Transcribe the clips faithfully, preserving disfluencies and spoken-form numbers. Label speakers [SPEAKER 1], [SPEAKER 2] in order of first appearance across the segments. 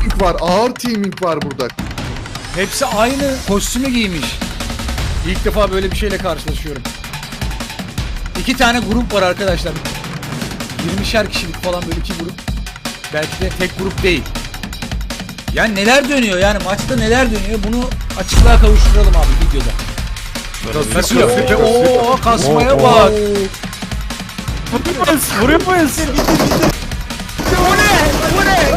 [SPEAKER 1] teaming var. Ağır teaming var burada.
[SPEAKER 2] Hepsi aynı kostümü giymiş. İlk defa böyle bir şeyle karşılaşıyorum. İki tane grup var arkadaşlar. yirmişer kişilik falan böyle iki grup. Belki de tek grup değil. Yani neler dönüyor yani maçta neler dönüyor bunu açıklığa kavuşturalım abi videoda. Kasıyor. Ve ooo kasmaya bak.
[SPEAKER 3] Vuruyoruz, vuruyoruz.
[SPEAKER 2] Bu ne? Bu ne?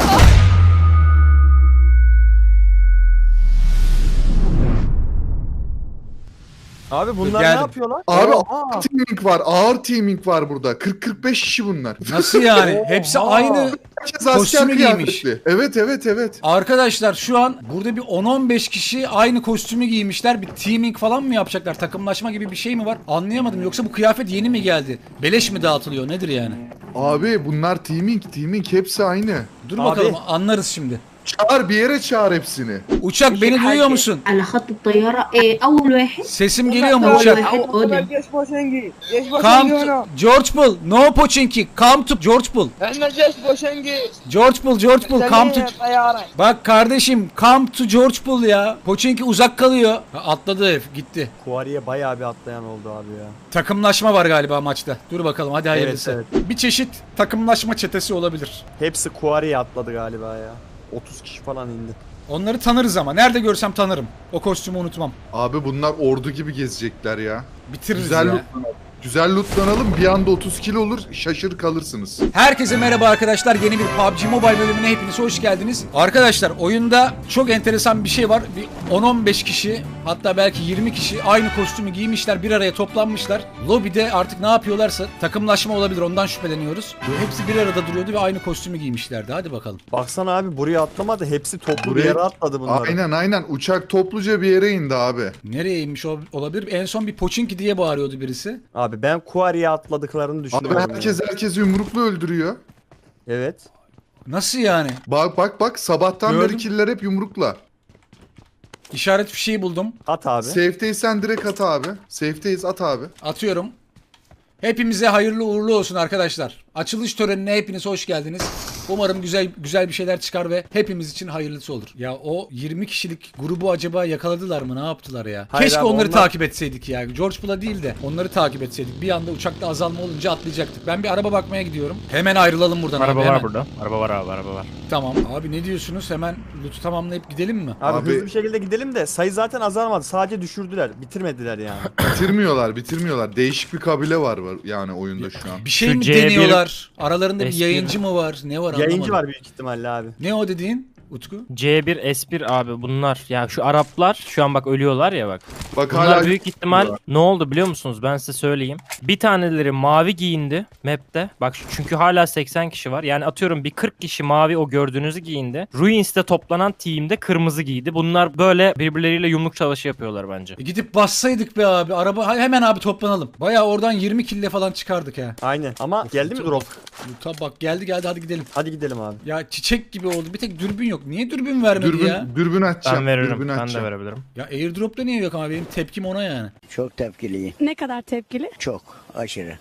[SPEAKER 4] Abi bunlar
[SPEAKER 2] Geldim.
[SPEAKER 4] ne yapıyorlar?
[SPEAKER 1] Abi
[SPEAKER 4] Aa.
[SPEAKER 1] ağır teaming var. Ağır teaming var burada. kırk kırk beş kişi bunlar.
[SPEAKER 2] Nasıl yani? Hepsi aynı
[SPEAKER 1] Herkes asker
[SPEAKER 2] kostümü giymiş.
[SPEAKER 1] kıyafetli. Evet evet evet.
[SPEAKER 2] Arkadaşlar şu an burada bir on on beş kişi aynı kostümü giymişler. Bir teaming falan mı yapacaklar? Takımlaşma gibi bir şey mi var? Anlayamadım. Yoksa bu kıyafet yeni mi geldi? Beleş mi dağıtılıyor? Nedir yani?
[SPEAKER 1] Abi bunlar teaming teaming hepsi aynı.
[SPEAKER 2] Dur
[SPEAKER 4] Abi.
[SPEAKER 2] bakalım anlarız şimdi.
[SPEAKER 1] Çağır bir yere çağır hepsini.
[SPEAKER 2] Uçak beni duyuyor musun?
[SPEAKER 5] على خط الطيارة إيه أول واحد
[SPEAKER 2] Sesim geliyor mu
[SPEAKER 5] أول
[SPEAKER 2] uçak?
[SPEAKER 5] واحد قادم
[SPEAKER 6] جيش بوشنجي جيش
[SPEAKER 2] Come
[SPEAKER 6] بوشنجي
[SPEAKER 2] to
[SPEAKER 6] هنا
[SPEAKER 2] George Bull. No Pochinki. Come to George Bull.
[SPEAKER 6] احنا جيش بوشنجي
[SPEAKER 2] George Bull, George Bull. Come to...
[SPEAKER 6] طيارة
[SPEAKER 2] Bak kardeşim come to George Bull ya. Pochinki uzak kalıyor. Ha, atladı herif gitti.
[SPEAKER 4] Kuariye bayağı bir atlayan oldu abi ya.
[SPEAKER 2] Takımlaşma var galiba maçta. Dur bakalım hadi hayırlısı.
[SPEAKER 4] Evet,
[SPEAKER 2] Bir çeşit takımlaşma çetesi olabilir.
[SPEAKER 4] Hepsi Kuariye atladı galiba ya. otuz kişi falan indi.
[SPEAKER 2] Onları tanırız ama. Nerede görsem tanırım. O kostümü unutmam.
[SPEAKER 1] Abi bunlar ordu gibi gezecekler ya.
[SPEAKER 2] Bitiririz
[SPEAKER 1] Güzel
[SPEAKER 2] ya.
[SPEAKER 1] lootlanalım. Güzel lootlanalım. Bir anda otuz kilo olur. Şaşır kalırsınız.
[SPEAKER 2] Herkese merhaba arkadaşlar. Yeni bir P U B G Mobile bölümüne hepiniz hoş geldiniz. Arkadaşlar oyunda çok enteresan bir şey var. Bir on on beş kişi hatta belki yirmi kişi aynı kostümü giymişler. Bir araya toplanmışlar. Lobide artık ne yapıyorlarsa takımlaşma olabilir. Ondan şüpheleniyoruz. Hepsi bir arada duruyordu ve aynı kostümü giymişlerdi. Hadi bakalım.
[SPEAKER 4] Baksana abi buraya atlamadı. Hepsi toplu
[SPEAKER 1] Buraya-
[SPEAKER 4] bir yere atladı bunlar.
[SPEAKER 1] Aynen aynen. Uçak topluca bir yere indi abi.
[SPEAKER 2] Nereye inmiş ol- olabilir? En son bir Pochinki diye bağırıyordu birisi.
[SPEAKER 4] Abi ben Kuariye atladıklarını
[SPEAKER 1] Abi
[SPEAKER 4] düşünüyorum.
[SPEAKER 1] herkes
[SPEAKER 4] ya.
[SPEAKER 1] herkesi yumrukla öldürüyor.
[SPEAKER 4] Evet.
[SPEAKER 2] Nasıl yani?
[SPEAKER 1] Bak bak bak sabahtan
[SPEAKER 2] Gördüm.
[SPEAKER 1] beri killer hep yumrukla.
[SPEAKER 2] İşaret fişeği buldum.
[SPEAKER 4] At abi.
[SPEAKER 1] Safe'deysen direkt at abi. Safe'deyiz at abi.
[SPEAKER 2] Atıyorum. Hepimize hayırlı uğurlu olsun arkadaşlar. Açılış törenine hepiniz hoş geldiniz. Umarım güzel güzel bir şeyler çıkar ve hepimiz için hayırlısı olur. Ya o yirmi kişilik grubu acaba yakaladılar mı? Ne yaptılar ya?
[SPEAKER 4] Hayır
[SPEAKER 2] Keşke
[SPEAKER 4] abi,
[SPEAKER 2] onları
[SPEAKER 4] onlar-
[SPEAKER 2] takip etseydik ya. George Bull'a değil de onları takip etseydik. Bir anda uçakta azalma olunca atlayacaktık. Ben bir araba bakmaya gidiyorum. Hemen ayrılalım buradan
[SPEAKER 3] Araba
[SPEAKER 2] abi.
[SPEAKER 3] var
[SPEAKER 2] hemen.
[SPEAKER 3] burada. Araba var abi, araba var.
[SPEAKER 2] Tamam. Abi ne diyorsunuz? Hemen loot'u tamamlayıp gidelim mi?
[SPEAKER 4] Abi,
[SPEAKER 1] Abi-
[SPEAKER 4] hızlı bir şekilde gidelim de sayı zaten azalmadı. Sadece düşürdüler. Bitirmediler yani.
[SPEAKER 1] Bitirmiyorlar bitirmiyorlar. Değişik bir kabile var, var yani oyunda şu an.
[SPEAKER 2] Bir şey
[SPEAKER 3] Şu
[SPEAKER 2] mi
[SPEAKER 3] C bir
[SPEAKER 2] deniyorlar? Aralarında bir
[SPEAKER 3] S bir
[SPEAKER 2] yayıncı mı var? Ne var
[SPEAKER 4] Yayıncı
[SPEAKER 2] anlamadım.
[SPEAKER 4] var büyük ihtimalle abi.
[SPEAKER 2] Ne o dediğin? Utku?
[SPEAKER 3] C bir S bir abi bunlar. Ya şu Araplar şu an bak ölüyorlar ya bak.
[SPEAKER 1] Bak
[SPEAKER 3] Bunlar
[SPEAKER 1] hala
[SPEAKER 3] büyük ihtimal ne oldu biliyor musunuz? Ben size söyleyeyim. Bir taneleri mavi giyindi map'te. Bak çünkü hala seksen kişi var. Yani atıyorum bir kırk kişi mavi o gördüğünüzü giyindi. Ruins'te toplanan team'de kırmızı giydi. Bunlar böyle birbirleriyle yumruk savaşı yapıyorlar bence.
[SPEAKER 2] E gidip bassaydık be abi. Araba ha- hemen abi toplanalım. Bayağı oradan yirmi kille falan çıkardık ha.
[SPEAKER 4] Aynen. Ama geldi mi drop?
[SPEAKER 2] Tabi bak geldi geldi hadi gidelim.
[SPEAKER 4] Hadi gidelim abi.
[SPEAKER 2] Ya çiçek gibi oldu. Bir tek dürbün yok. Niye dürbün vermedi
[SPEAKER 1] dürbün,
[SPEAKER 2] ya?
[SPEAKER 1] dürbün açacağım.
[SPEAKER 3] Ben veririm.
[SPEAKER 1] Dürbün
[SPEAKER 3] Ben de
[SPEAKER 1] açacağım.
[SPEAKER 3] verebilirim.
[SPEAKER 2] Ya airdrop'ta niye yok ama benim tepkim ona yani.
[SPEAKER 7] Çok tepkiliyim.
[SPEAKER 8] Ne kadar tepkili?
[SPEAKER 7] Çok aşırı.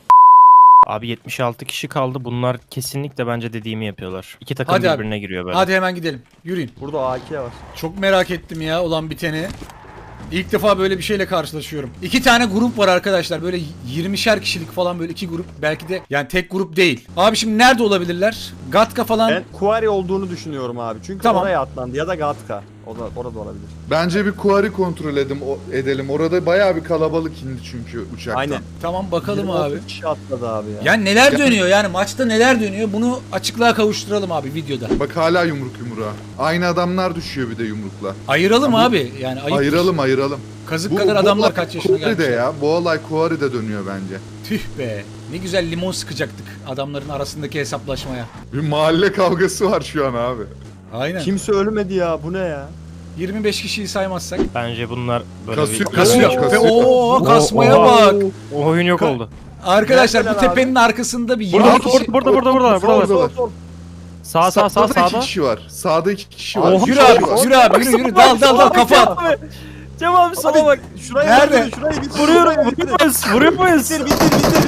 [SPEAKER 3] Abi yetmiş altı kişi kaldı. Bunlar kesinlikle bence dediğimi yapıyorlar. İki takım
[SPEAKER 2] Hadi abi.
[SPEAKER 3] birbirine giriyor böyle.
[SPEAKER 2] Hadi hemen gidelim. Yürüyün.
[SPEAKER 4] Burada A K var.
[SPEAKER 2] Çok merak ettim ya olan biteni. İlk defa böyle bir şeyle karşılaşıyorum. İki tane grup var arkadaşlar. Böyle yirmişer kişilik falan böyle iki grup. Belki de yani tek grup değil. Abi şimdi nerede olabilirler? Gatka falan.
[SPEAKER 4] Ben Kuariye olduğunu düşünüyorum abi. Çünkü
[SPEAKER 2] Tamam.
[SPEAKER 4] oraya atlandı ya da Gatka. O da orada olabilir.
[SPEAKER 1] Bence bir kuari kontrol edelim, o, edelim. Orada bayağı bir kalabalık indi çünkü uçaktan.
[SPEAKER 4] Aynen.
[SPEAKER 2] Tamam bakalım
[SPEAKER 4] yirmi
[SPEAKER 2] abi.
[SPEAKER 4] otuz kişi atladı abi ya.
[SPEAKER 2] Yani neler dönüyor yani maçta neler dönüyor bunu açıklığa kavuşturalım abi videoda.
[SPEAKER 1] Bak hala yumruk yumruğa. Aynı adamlar düşüyor bir de yumrukla.
[SPEAKER 2] Ayıralım abi yani ayıp.
[SPEAKER 1] Ayıralım ayıralım.
[SPEAKER 2] Kazık kadar adamlar
[SPEAKER 1] olay
[SPEAKER 2] kaç yaşına
[SPEAKER 1] Kuari'de
[SPEAKER 2] gelmiş.
[SPEAKER 1] ya. Bu olay Kuari'de dönüyor bence.
[SPEAKER 2] Tüh be. Ne güzel limon sıkacaktık adamların arasındaki hesaplaşmaya.
[SPEAKER 1] Bir mahalle kavgası var şu an abi.
[SPEAKER 2] Aynen.
[SPEAKER 4] Kimse ölmedi ya. Bu ne ya?
[SPEAKER 2] yirmi beş kişiyi saymazsak.
[SPEAKER 3] Bence bunlar böyle
[SPEAKER 1] Kasıyor.
[SPEAKER 3] bir...
[SPEAKER 2] Kasıyor.
[SPEAKER 1] Kasıyor.
[SPEAKER 2] Ve ooo kasmaya
[SPEAKER 3] Oha.
[SPEAKER 2] bak.
[SPEAKER 3] O oyun yok
[SPEAKER 2] Ka-
[SPEAKER 3] oldu.
[SPEAKER 2] Arkadaşlar bu
[SPEAKER 4] Neredeler abi?
[SPEAKER 2] tepenin arkasında bir
[SPEAKER 3] Burada
[SPEAKER 2] yirmi
[SPEAKER 3] burada
[SPEAKER 2] kişi.
[SPEAKER 3] burada burada burada burada. burada.
[SPEAKER 1] Sol,
[SPEAKER 4] Sol.
[SPEAKER 3] Sağ sağ sağ
[SPEAKER 1] Sağda iki
[SPEAKER 3] sağda.
[SPEAKER 1] kişi var. Sağda iki kişi var.
[SPEAKER 2] Yürü
[SPEAKER 1] İki
[SPEAKER 2] abi,
[SPEAKER 1] kişi var.
[SPEAKER 2] yürü abi, yürü yürü. Dal dal dal kafa at.
[SPEAKER 4] Cem abi sola bak. Şurayı
[SPEAKER 2] Nerede?
[SPEAKER 4] bitir, şurayı bitir.
[SPEAKER 3] Vuruyorum
[SPEAKER 4] şurayı bitir.
[SPEAKER 3] vuruyor muyuz? Vuruyor muyuz?
[SPEAKER 4] Bitir bitir bitir.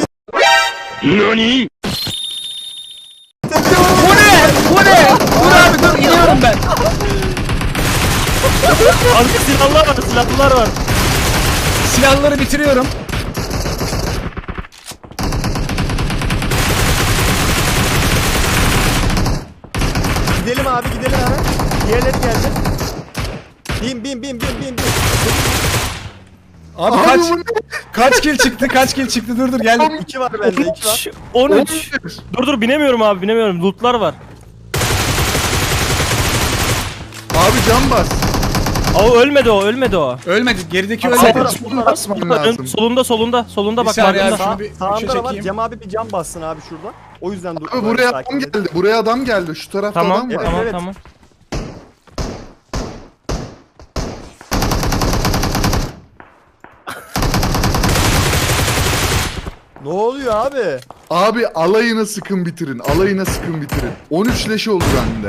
[SPEAKER 2] Bu ne? Bu ne? Dur abi dur iniyorum ben.
[SPEAKER 3] Abi silahlar var, silahlılar var.
[SPEAKER 2] Silahları bitiriyorum.
[SPEAKER 4] Gidelim abi gidelim hemen. Diğerleri geldi. Bin bin bin bin bin bin.
[SPEAKER 2] Abi,
[SPEAKER 1] Abi
[SPEAKER 2] kaç
[SPEAKER 1] bu ne?
[SPEAKER 2] kaç kill çıktı? Kaç kill çıktı? Dur dur geldim.
[SPEAKER 4] İki var bende iki var.
[SPEAKER 3] on üç. Dur dur binemiyorum abi binemiyorum. Lootlar var.
[SPEAKER 1] Abi can bas.
[SPEAKER 3] Aa ölmedi o ölmedi o.
[SPEAKER 2] Ölmedi. Gerideki
[SPEAKER 4] Abi,
[SPEAKER 2] ölmedi.
[SPEAKER 4] abi,
[SPEAKER 1] Can basman lazım.
[SPEAKER 3] Solunda solunda solunda
[SPEAKER 2] Bir
[SPEAKER 3] bak
[SPEAKER 2] saniye
[SPEAKER 3] markında.
[SPEAKER 2] abi. Şunu
[SPEAKER 4] Sağ,
[SPEAKER 2] bir
[SPEAKER 4] sağında
[SPEAKER 2] üçe
[SPEAKER 4] da var.
[SPEAKER 2] çekeyim.
[SPEAKER 4] Cem abi bir cam bassın abi şurada. O yüzden dur.
[SPEAKER 1] Abi buraya adam geldi. Buraya adam geldi. Şu tarafta
[SPEAKER 3] Tamam
[SPEAKER 1] adam var.
[SPEAKER 3] tamam
[SPEAKER 4] evet.
[SPEAKER 3] tamam.
[SPEAKER 4] Ne oluyor abi?
[SPEAKER 1] Abi alayına sıkın bitirin. Alayına sıkın bitirin. on üç leşi oldu bende.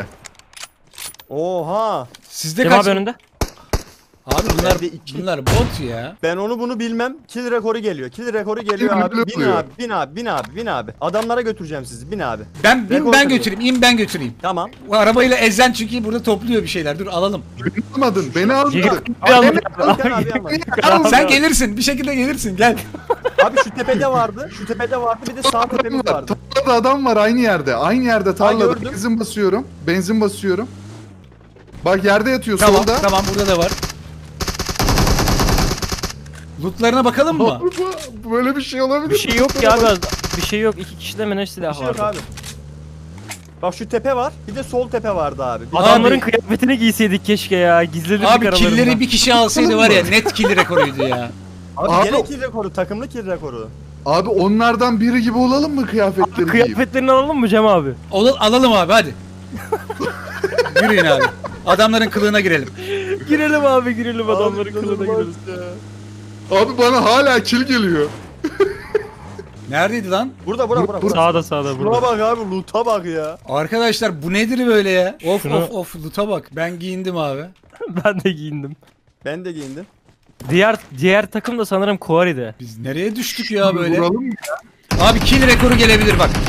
[SPEAKER 4] Oha.
[SPEAKER 2] Sizde
[SPEAKER 3] Cem
[SPEAKER 2] kaç?
[SPEAKER 3] abi önünde.
[SPEAKER 2] Abi bunlar
[SPEAKER 4] Bende iki.
[SPEAKER 2] bunlar bot ya.
[SPEAKER 4] Ben onu bunu bilmem. Kill rekoru geliyor. Kill rekoru geliyor
[SPEAKER 1] Kill
[SPEAKER 4] abi.
[SPEAKER 1] rekoru
[SPEAKER 4] Bin
[SPEAKER 1] oluyor.
[SPEAKER 4] abi, bin abi, bin abi, bin abi. Adamlara götüreceğim sizi. Bin abi.
[SPEAKER 2] Ben bin
[SPEAKER 4] Rekor
[SPEAKER 2] ben
[SPEAKER 4] kırıyor.
[SPEAKER 2] götüreyim. İn ben götüreyim.
[SPEAKER 4] Tamam.
[SPEAKER 2] Bu arabayla ezen çünkü burada topluyor bir şeyler. Dur alalım.
[SPEAKER 1] Beni almadın. Beni almadın.
[SPEAKER 3] Bir anda-
[SPEAKER 4] Gel abi ama.
[SPEAKER 2] Sen gelirsin. Bir şekilde gelirsin. Gel.
[SPEAKER 4] Abi şu tepede vardı. Şu tepede vardı. Bir de sağ
[SPEAKER 1] Adam
[SPEAKER 4] tepemiz
[SPEAKER 1] var.
[SPEAKER 4] vardı.
[SPEAKER 1] Tarlada adam var aynı yerde. Aynı yerde tarlada.
[SPEAKER 4] gördüm.
[SPEAKER 1] Benzin basıyorum. Benzin basıyorum. Bak yerde yatıyor
[SPEAKER 2] Tamam.
[SPEAKER 1] solda.
[SPEAKER 2] Tamam burada da var. Lootlarına bakalım mı?
[SPEAKER 1] Bu- Böyle bir şey olabilir.
[SPEAKER 3] Bir şey yok ki abi. Bir şey yok. İki kişide mi ne
[SPEAKER 4] Bir
[SPEAKER 3] silah
[SPEAKER 4] şey yok
[SPEAKER 3] vardı?
[SPEAKER 4] abi. Bak şu tepe var. Bir de sol tepe vardı abi. Bir
[SPEAKER 3] Adamların
[SPEAKER 2] Abi-
[SPEAKER 3] kıyafetini giyseydik keşke ya. Gizledik
[SPEAKER 2] Abi
[SPEAKER 3] aralarında.
[SPEAKER 2] killleri bir kişi alsaydı var ya net kill rekoruydu ya.
[SPEAKER 4] Abi,
[SPEAKER 1] Abi-
[SPEAKER 4] gene kill rekoru. Takımlı kill rekoru.
[SPEAKER 1] Abi onlardan biri gibi olalım mı kıyafetleri giyip?
[SPEAKER 3] Kıyafetlerini alalım mı Cem abi?
[SPEAKER 2] Ol alalım abi hadi. Yürüyün abi. Adamların kılığına girelim.
[SPEAKER 3] Girelim abi girelim adamların
[SPEAKER 4] Abi,
[SPEAKER 3] kılığına
[SPEAKER 4] inanılmaz
[SPEAKER 3] girelim.
[SPEAKER 4] ya.
[SPEAKER 1] Abi bana hala kill geliyor.
[SPEAKER 2] Neredeydi lan?
[SPEAKER 4] Burada bura bura. bura.
[SPEAKER 3] Sağda sağda
[SPEAKER 4] Şuna
[SPEAKER 3] burada.
[SPEAKER 4] bak abi. Loot'a bak ya.
[SPEAKER 2] Arkadaşlar bu nedir böyle ya? Of
[SPEAKER 3] Şunu-
[SPEAKER 2] of of loot'a bak. Ben giyindim abi.
[SPEAKER 3] Ben de giyindim.
[SPEAKER 4] Ben de giyindim.
[SPEAKER 3] Diğer diğer takım da sanırım Kuari'de.
[SPEAKER 2] Biz nereye düştük ya böyle?
[SPEAKER 1] Vuralım mı?
[SPEAKER 2] Abi kill rekoru gelebilir bak.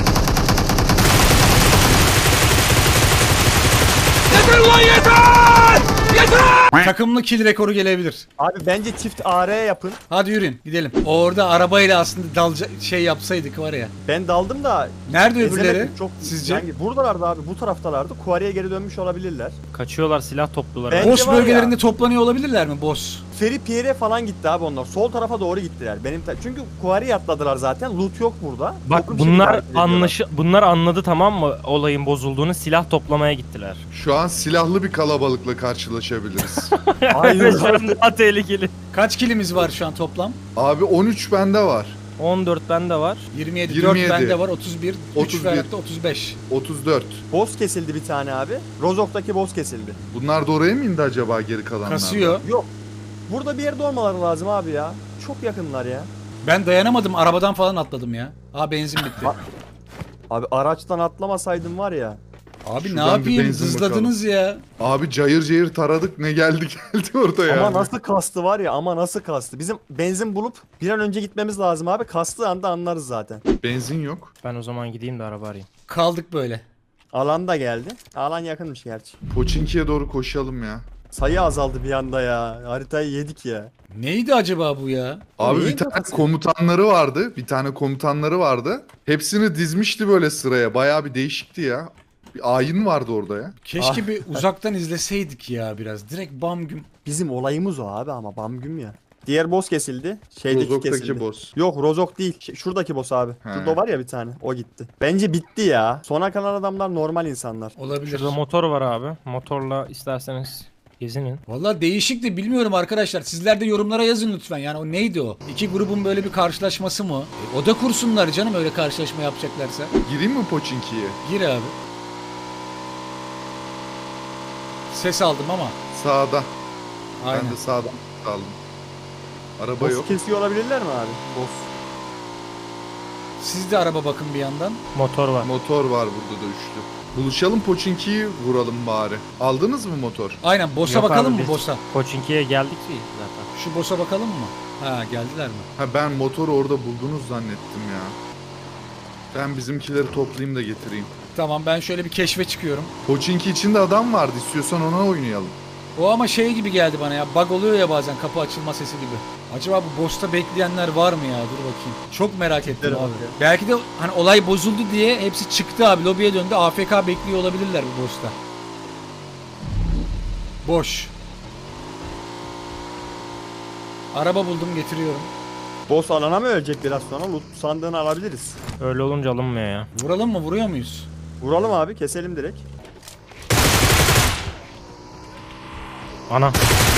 [SPEAKER 2] Yeter lan yeter! Yeter! Takımlı kill rekoru gelebilir.
[SPEAKER 4] Abi bence çift A R yapın.
[SPEAKER 2] Hadi yürüyün gidelim. Orada arabayla aslında dalca şey yapsaydık var ya.
[SPEAKER 4] Ben daldım da
[SPEAKER 2] Nerede öbürleri?
[SPEAKER 4] ezemedim çok.
[SPEAKER 2] Sizce?
[SPEAKER 4] Yani buradalardı abi. Bu taraftalardı. Kuariye geri dönmüş olabilirler.
[SPEAKER 3] Kaçıyorlar silah toplular.
[SPEAKER 4] Ben-
[SPEAKER 2] Boss
[SPEAKER 4] var ya-
[SPEAKER 2] bölgelerinde toplanıyor olabilirler mi boss?
[SPEAKER 4] Feri Pierre'e falan gitti abi onlar. Sol tarafa doğru gittiler. Benim ta- çünkü Kuariye atladılar zaten. Loot yok burada.
[SPEAKER 3] Bak
[SPEAKER 4] Toplu bir şekilde
[SPEAKER 3] bunlar
[SPEAKER 4] hareket ediyorlar.
[SPEAKER 3] anlaşı bunlar anladı tamam mı olayın bozulduğunu silah toplamaya gittiler.
[SPEAKER 1] Şu an silahlı bir kalabalıkla karşılaşabiliriz.
[SPEAKER 4] Aynen.
[SPEAKER 3] Evet, şu an daha tehlikeli.
[SPEAKER 2] Kaç kilimiz var şu an toplam?
[SPEAKER 1] Abi on üç bende var.
[SPEAKER 3] on dört bende var.
[SPEAKER 2] yirmi yedi,
[SPEAKER 1] yirmi yedi.
[SPEAKER 2] dört bende var, otuz bir, üç
[SPEAKER 1] otuz bir.
[SPEAKER 2] Ferhat'ta otuz beş.
[SPEAKER 1] otuz dört.
[SPEAKER 4] Boss kesildi bir tane abi. Rozok'taki boss kesildi.
[SPEAKER 1] Bunlar da oraya mı indi acaba geri kalanlar?
[SPEAKER 2] Kasıyor.
[SPEAKER 4] Yok. Burada bir yerde olmaları lazım abi ya. Çok yakınlar ya.
[SPEAKER 2] Ben dayanamadım, arabadan falan atladım ya. Aa benzin bitti.
[SPEAKER 4] Abi araçtan atlamasaydım var ya.
[SPEAKER 2] Abi
[SPEAKER 1] Şuradan
[SPEAKER 2] ne
[SPEAKER 1] bir
[SPEAKER 2] yapayım,
[SPEAKER 1] benzin
[SPEAKER 2] hızladınız ya.
[SPEAKER 1] Abi cayır cayır taradık ne geldi geldi orada ya.
[SPEAKER 4] Ama nasıl kastı var ya, ama nasıl kastı. Bizim benzin bulup bir an önce gitmemiz lazım abi. Kastığı anda anlarız zaten.
[SPEAKER 1] Benzin yok.
[SPEAKER 3] Ben o zaman gideyim de araba arayayım.
[SPEAKER 2] Kaldık böyle.
[SPEAKER 4] Alan da geldi. Alan yakınmış gerçi.
[SPEAKER 1] Poçinki'ye doğru koşalım ya.
[SPEAKER 4] Sayı azaldı bir anda ya. Haritayı yedik ya.
[SPEAKER 2] Neydi acaba bu ya?
[SPEAKER 1] Abi
[SPEAKER 4] neyin
[SPEAKER 1] bir tane
[SPEAKER 4] kafası?
[SPEAKER 1] komutanları vardı. Bir tane komutanları vardı. Hepsini dizmişti böyle sıraya. Bayağı bir değişikti ya. Bir ayin vardı orada ya.
[SPEAKER 2] Keşke
[SPEAKER 4] Ah.
[SPEAKER 2] bir uzaktan izleseydik ya biraz. Direkt bam güm.
[SPEAKER 4] Bizim olayımız o abi, ama bamgüm ya. Diğer boss kesildi. Şeydeki
[SPEAKER 1] Rozok'taki
[SPEAKER 4] kesildi.
[SPEAKER 1] boss.
[SPEAKER 4] Yok Rozok değil. Şey, şuradaki boss abi.
[SPEAKER 1] He.
[SPEAKER 4] Şurada var ya bir tane. O gitti. Bence bitti ya. Sona kalan adamlar normal insanlar.
[SPEAKER 2] Olabilir.
[SPEAKER 3] Şurada motor var abi. Motorla isterseniz gezinin.
[SPEAKER 2] Valla değişik de bilmiyorum arkadaşlar. Sizler de yorumlara yazın lütfen. Yani o neydi o? İki grubun böyle bir karşılaşması mı? E, o da kursunlar canım öyle karşılaşma yapacaklarsa.
[SPEAKER 1] Gireyim mi Poçinki'ye?
[SPEAKER 2] Gir abi. Ses aldım ama.
[SPEAKER 1] Sağda.
[SPEAKER 2] Aynen.
[SPEAKER 1] Ben de sağdan aldım. Araba
[SPEAKER 4] Boss
[SPEAKER 1] yok.
[SPEAKER 4] kesiyor olabilirler mi abi? Boss.
[SPEAKER 2] Siz de araba bakın bir yandan.
[SPEAKER 3] Motor var.
[SPEAKER 1] Motor var burada da üçlü. Buluşalım Poçinki'yi vuralım bari. Aldınız mı motor?
[SPEAKER 2] Aynen boss'a
[SPEAKER 3] Yok
[SPEAKER 2] bakalım
[SPEAKER 3] abi,
[SPEAKER 2] mı
[SPEAKER 3] biz
[SPEAKER 2] boss'a?
[SPEAKER 3] Koçinki'ye geldik ki zaten.
[SPEAKER 2] Şu boss'a bakalım mı? Ha geldiler mi?
[SPEAKER 1] Ha ben motoru orada buldunuz zannettim ya. Ben bizimkileri toplayayım da getireyim.
[SPEAKER 2] Tamam ben şöyle bir keşfe çıkıyorum.
[SPEAKER 1] Poçinki içinde adam vardı. İstiyorsan ona oynayalım.
[SPEAKER 2] O ama şey gibi geldi bana ya. Bug oluyor ya bazen kapı açılma sesi gibi. Acaba bu boss'ta bekleyenler var mı ya? Dur bakayım. Çok merak ettim
[SPEAKER 4] Gidelim
[SPEAKER 2] abi.
[SPEAKER 4] abi ya.
[SPEAKER 2] Belki de hani olay bozuldu diye hepsi çıktı abi. Lobiye döndü. A F K bekliyor olabilirler bu boss'ta. Boş. Araba buldum, getiriyorum.
[SPEAKER 4] Boss alana mı ölecek biraz sonra? Loot sandığını alabiliriz.
[SPEAKER 3] Öyle olunca alınmıyor ya.
[SPEAKER 2] Vuralım mı? Vuruyor muyuz?
[SPEAKER 4] Vuralım abi, keselim direkt.
[SPEAKER 3] Ana.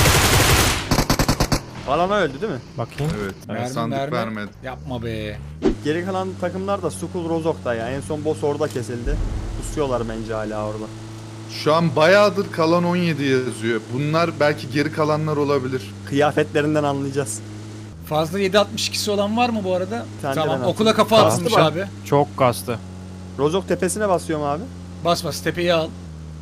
[SPEAKER 4] Alana öldü değil mi?
[SPEAKER 3] Bakayım.
[SPEAKER 1] Evet.
[SPEAKER 2] Mermi,
[SPEAKER 1] sandık
[SPEAKER 2] mermi.
[SPEAKER 1] vermedi.
[SPEAKER 2] Yapma be.
[SPEAKER 4] Geri kalan takımlar da Skull Rozok'ta ya. En son boss orada kesildi. Pusuyorlar bence hala orada.
[SPEAKER 1] Şu an bayağıdır kalan on yedi yazıyor. Bunlar belki geri kalanlar olabilir.
[SPEAKER 4] Kıyafetlerinden anlayacağız.
[SPEAKER 2] Fazla yedi altmış ikisi olan var mı bu arada?
[SPEAKER 4] Bir tane de
[SPEAKER 2] Tamam,
[SPEAKER 4] ben
[SPEAKER 2] okula
[SPEAKER 4] attım.
[SPEAKER 2] kafa
[SPEAKER 4] Bastı
[SPEAKER 2] atılmış
[SPEAKER 4] mı?
[SPEAKER 2] abi.
[SPEAKER 3] Çok kastı.
[SPEAKER 4] Rozok tepesine basıyorum abi.
[SPEAKER 2] Bas bas tepeyi al.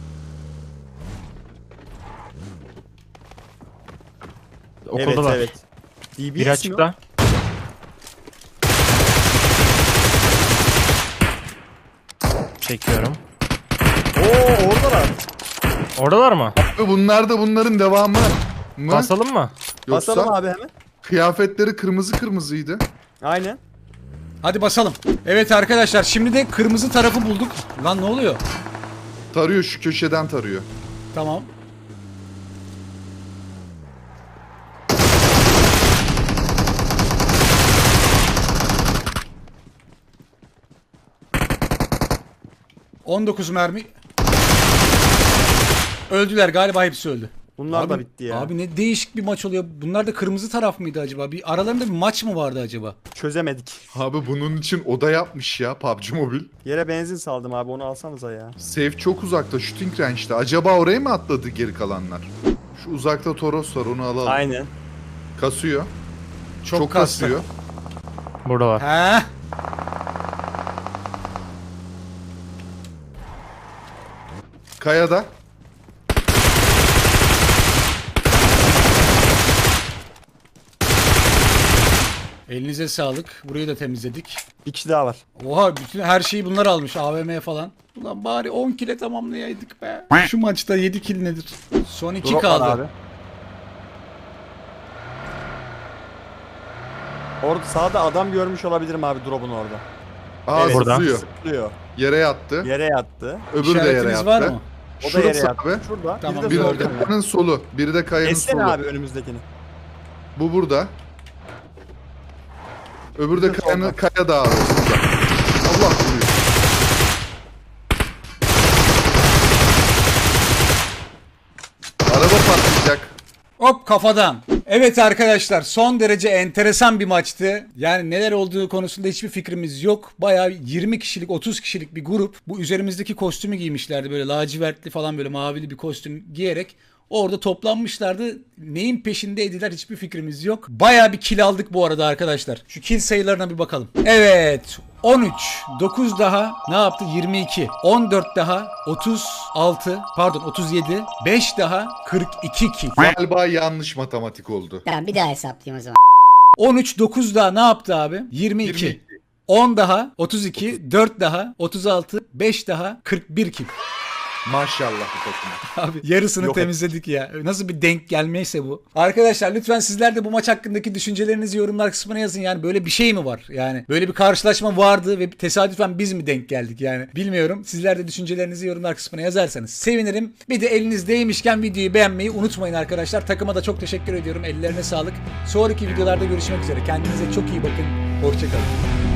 [SPEAKER 3] Okuldalar.
[SPEAKER 4] Evet evet. D B S
[SPEAKER 3] Biri
[SPEAKER 4] mi o?
[SPEAKER 3] açıkta. Çekiyorum.
[SPEAKER 4] Oo oradalar.
[SPEAKER 3] Oradalar mı?
[SPEAKER 1] Ve bunlar da bunların devamı mı?
[SPEAKER 3] Basalım mı?
[SPEAKER 1] Yoksa
[SPEAKER 4] Basalım abi hemen.
[SPEAKER 1] kıyafetleri kırmızı kırmızıydı.
[SPEAKER 4] Aynen.
[SPEAKER 2] Hadi basalım. Evet arkadaşlar, şimdi de kırmızı tarafı bulduk. Lan ne oluyor?
[SPEAKER 1] Tarıyor, şu köşeden tarıyor.
[SPEAKER 2] Tamam. on dokuz mermi. Öldüler galiba, hepsi öldü.
[SPEAKER 4] Bunlar
[SPEAKER 2] abi,
[SPEAKER 4] da bitti ya.
[SPEAKER 2] Abi ne değişik bir maç oluyor. Bunlar da kırmızı taraf mıydı acaba? Bir aralarında bir maç mı vardı acaba?
[SPEAKER 4] Çözemedik.
[SPEAKER 1] Abi bunun için oda yapmış ya P U B G Mobile.
[SPEAKER 4] Yere benzin saldım abi, onu alsanıza ya.
[SPEAKER 1] Safe çok uzakta, shooting range'de. Acaba oraya mı atladı geri kalanlar? Şu uzakta Toros var, onu alalım.
[SPEAKER 4] Aynen.
[SPEAKER 1] Kasıyor.
[SPEAKER 2] Çok,
[SPEAKER 1] Çok
[SPEAKER 2] kastı.
[SPEAKER 1] kasıyor.
[SPEAKER 3] Buradalar.
[SPEAKER 2] He?
[SPEAKER 1] Kayada.
[SPEAKER 2] Elinize sağlık. Burayı da temizledik.
[SPEAKER 4] Bir kişi daha var.
[SPEAKER 2] Oha, bütün her şeyi bunlar almış. A V M falan. Ulan bari on kile tamamlayaydık be. Şu maçta yedi kill nedir? Son iki
[SPEAKER 4] Drop
[SPEAKER 2] kaldı.
[SPEAKER 4] var abi. Orada sağda adam görmüş olabilirim abi, drop'un orada.
[SPEAKER 1] Aa,
[SPEAKER 4] Evet,
[SPEAKER 3] burada.
[SPEAKER 1] zıplıyor.
[SPEAKER 4] Zıplıyor.
[SPEAKER 1] Yere yattı.
[SPEAKER 4] Yere yattı.
[SPEAKER 1] Öbürü de yere
[SPEAKER 2] İşaretiniz
[SPEAKER 1] yattı.
[SPEAKER 2] var mı?
[SPEAKER 4] O da
[SPEAKER 1] Şurası
[SPEAKER 4] yere yattı.
[SPEAKER 1] abi.
[SPEAKER 4] Şurada.
[SPEAKER 2] Tamam,
[SPEAKER 4] Biri de
[SPEAKER 1] Biri
[SPEAKER 2] gördüm.
[SPEAKER 4] solda.
[SPEAKER 1] kayanın solu. Biri de kayanın
[SPEAKER 4] Essene
[SPEAKER 1] solu.
[SPEAKER 4] abi önümüzdekini.
[SPEAKER 1] Bu burada. Öbürü de
[SPEAKER 4] Bir de
[SPEAKER 1] kayanın,
[SPEAKER 4] solda.
[SPEAKER 1] kaya dağı. Allah vuruyor. Araba patlayacak.
[SPEAKER 2] Hop, kafadan. Evet arkadaşlar, son derece enteresan bir maçtı. Yani neler olduğu konusunda hiçbir fikrimiz yok. Bayağı yirmi kişilik, otuz kişilik bir grup. Bu üzerimizdeki kostümü giymişlerdi. Böyle lacivertli falan, böyle mavili bir kostüm giyerek orada toplanmışlardı. Neyin peşindeydiler hiçbir fikrimiz yok. Bayağı bir kill aldık bu arada arkadaşlar. Şu kill sayılarına bir bakalım. Evet. on üç, dokuz daha ne yaptı? yirmi iki, on dört daha otuz altı, pardon otuz yedi, beş daha kırk iki kill.
[SPEAKER 1] Galiba yanlış matematik oldu.
[SPEAKER 7] Tamam bir daha hesaplayayım o zaman.
[SPEAKER 2] on üç, dokuz daha ne yaptı abi? yirmi iki.
[SPEAKER 1] yirmi iki.
[SPEAKER 2] on daha otuz iki, dört daha otuz altı, beş daha kırk bir kill.
[SPEAKER 1] Maşallah bu takıma.
[SPEAKER 2] Abi yarısını
[SPEAKER 4] Yok
[SPEAKER 2] temizledik ya. Nasıl bir denk gelmeyse bu. Arkadaşlar lütfen sizler de bu maç hakkındaki düşüncelerinizi yorumlar kısmına yazın. Yani böyle bir şey mi var? Yani böyle bir karşılaşma vardı ve tesadüfen biz mi denk geldik yani? Bilmiyorum. Sizler de düşüncelerinizi yorumlar kısmına yazarsanız sevinirim. Bir de eliniz değmişken videoyu beğenmeyi unutmayın arkadaşlar. Takıma da çok teşekkür ediyorum. Ellerine sağlık. Sonraki videolarda görüşmek üzere. Kendinize çok iyi bakın. Hoşçakalın.